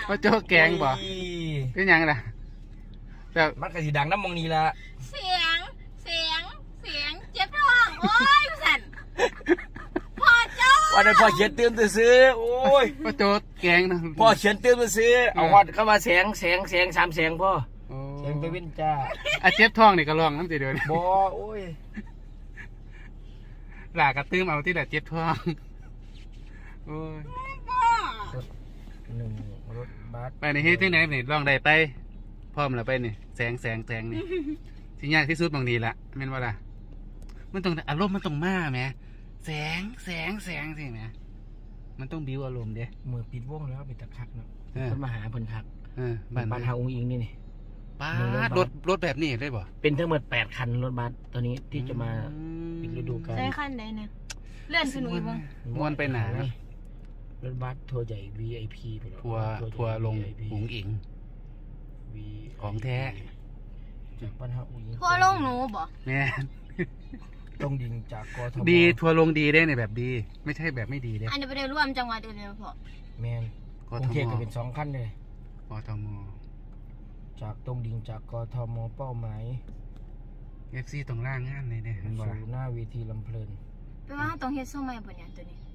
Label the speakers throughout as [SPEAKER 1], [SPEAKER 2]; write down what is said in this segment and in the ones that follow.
[SPEAKER 1] ว่าโจ๊กแกงบ่เป็นยังล่ะแต่
[SPEAKER 2] มันก็สิดังน้ำมองนี้ละ
[SPEAKER 3] เสียงเจ็บท้องโอ้ยสั่นพ่อโจ๊ก
[SPEAKER 2] วันนั้นพ่อเขียนเตือนซื้อโอ้ย
[SPEAKER 1] ว่าโจ๊กแกงนะ
[SPEAKER 2] พ่อเขียนเตือนซื้อเอาฮอดเข้ามาแสง3 แสงพ่อแสงไปวินจ้า
[SPEAKER 1] เจ็บท้องนี่ก็ลองน้ำจีเดียวนี่
[SPEAKER 2] บ่โอ้ย
[SPEAKER 1] หลากระตื้มเอาที่แหละเจ็บท้องโอ้ย
[SPEAKER 2] หนึ่งรถบัส
[SPEAKER 1] ไปในเฮ็ดที่ไหนนี่ลองได้ไปพร้อมแล้วไปนี่แสงนี่ที่ยากที่สุดบางนี้ละแม่นว่าล่ะมันต้องอารมณ์มันต้องมาแหมแสงสิแหมมันต้องบิวอารมณ์เด้
[SPEAKER 2] มือปิดวงแล้วปิดตะคักเนาะเพิ่นมาหาเพิ่นคักบ้านเฮาองค์อิงนี่
[SPEAKER 1] ป้ารถแบบนี้ได้บ่
[SPEAKER 2] เป็นทั้งหมด8คันรถบัสตัวนี้ที่จะมาปิดฤดูกาล
[SPEAKER 3] ใช้คันไหนเนี่ยเลื่อนขึ้นอีกมั้ง
[SPEAKER 1] ม้วนไปหนาร
[SPEAKER 2] ถบัสทัวร์ใหญ่ VIP ไปแล้ว
[SPEAKER 1] ทัวร์ลงหุงอิงของแท้
[SPEAKER 2] จากบ้านเฮาองค์อิง
[SPEAKER 3] ทัวร์ลงหนูบ่
[SPEAKER 1] แม่
[SPEAKER 2] ต้องยิงจากกทม
[SPEAKER 1] ดีทัวร์ลงดีได้ในแบบดีไม่ใช่แบบไม่ดีเด้
[SPEAKER 3] อันนี้ไปได้ร่วมจังหวัดอื่นเลยพ่อ
[SPEAKER 2] แม่นกรุงเทพก็เป็น2คันเลย
[SPEAKER 1] กทม
[SPEAKER 2] จากตรงดิ่งจากกทมเป้าหมาย
[SPEAKER 1] FC ตรงล่างงานเลยเนี่ย
[SPEAKER 2] สู่หน้าเวทีลำเพลิน
[SPEAKER 3] แปลว่าต้องเฮ็ดสู้ใหม่บ่เนี่ยตัวนี้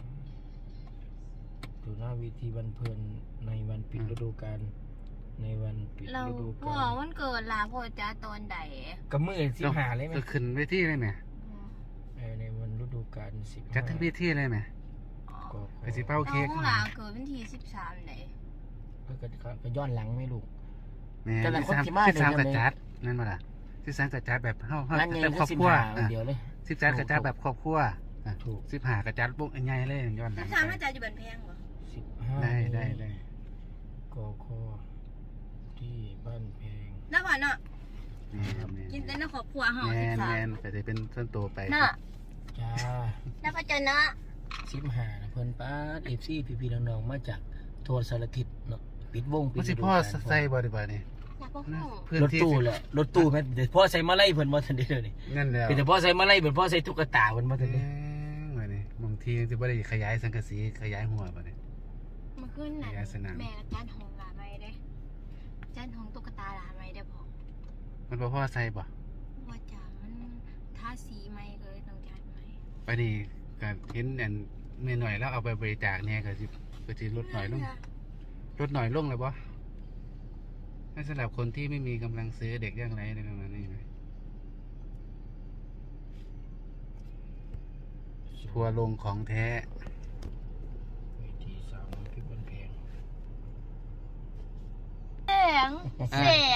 [SPEAKER 2] สู่หน้าเวทีบันเพลินในวันปิดฤดูกาลในวันปิดฤดูกาล
[SPEAKER 3] พ่อวันเกิดล่ะพ่อจ้าตอนใด
[SPEAKER 2] ก็มื้อ15เลยมั้ย
[SPEAKER 1] ก็ขึ้นเวทีเลยแหม
[SPEAKER 2] ในวันฤดูกาล15
[SPEAKER 1] จัดทั้งเวทีเลยแหมไปสิเป้าเค้ก
[SPEAKER 3] ของหลานเกิดวันที่13ไหน
[SPEAKER 2] ก็ย้อนหลังไหมลูก
[SPEAKER 1] แต่ละคนที่มา13กระจัดนั่นบ่ล่ะ13กระจัดแบบเฮาแบบครอบครัว
[SPEAKER 2] เดี๋ยวเลย
[SPEAKER 1] 13กระจัดแบบครอบครัวถูก15กระจัดปุ๊บใหญ่เลยย้อนหลัง
[SPEAKER 3] 13กระจัดอยู่บ้านแพงบ่
[SPEAKER 1] 15ได้
[SPEAKER 2] กคที่บ้านแพง
[SPEAKER 3] แล้วพ่อเนาะกินแต่ในครอบครัวเฮา
[SPEAKER 1] 13แม่นแต่จะเป็นส่วนตัวไป
[SPEAKER 3] เนาะ
[SPEAKER 2] จ้า
[SPEAKER 3] แล้วพ่อเจ้าเนาะ
[SPEAKER 2] 15นะเพิ่นป้า FC พี่ๆน้องๆมาจากทั่วสารทิศเนาะปิดวง
[SPEAKER 1] ปิดพ่อใส่บ่ได้บ่นี่
[SPEAKER 2] รถตู้แหละรถตู้แม่เดี๋ยวพ่อใส่มาไล่เพิ่นบ่ทันได้เลยนี่
[SPEAKER 1] นั่นแหละ
[SPEAKER 2] เป็นแต่พ่อใส่มาไล่เพิ่นพ่อใส่ตุ๊กตาเพิ่นบ่ทันได้
[SPEAKER 1] ว่านี่บางทีสิบ่ได้ขยายสังกะสีขยายหัวบ่นี่
[SPEAKER 3] เมื่อคืนน่ะแม่จัดห้องหลานใหม่เด้จัดห้องตุ๊กตาหลานใหม่ได้พ่อ
[SPEAKER 1] มันบ่พ่อใส่บ่
[SPEAKER 3] ว่าจ้ามันทาสีใหม่เลยต้องจัดใหม่
[SPEAKER 1] ไปนี่ก็เห็นอันแม่หน่อยแล้วเอาไปบริจาคเนี่ยก็สิลดหน่อยลงเลยบ่ให้สำหรับคนที่ไม่มีกำลังซื้อเด็กยากไร้ในประมาณนี้ไหมทัวร์ลงของแท้
[SPEAKER 2] ที่3พี่บนแพง
[SPEAKER 3] แสง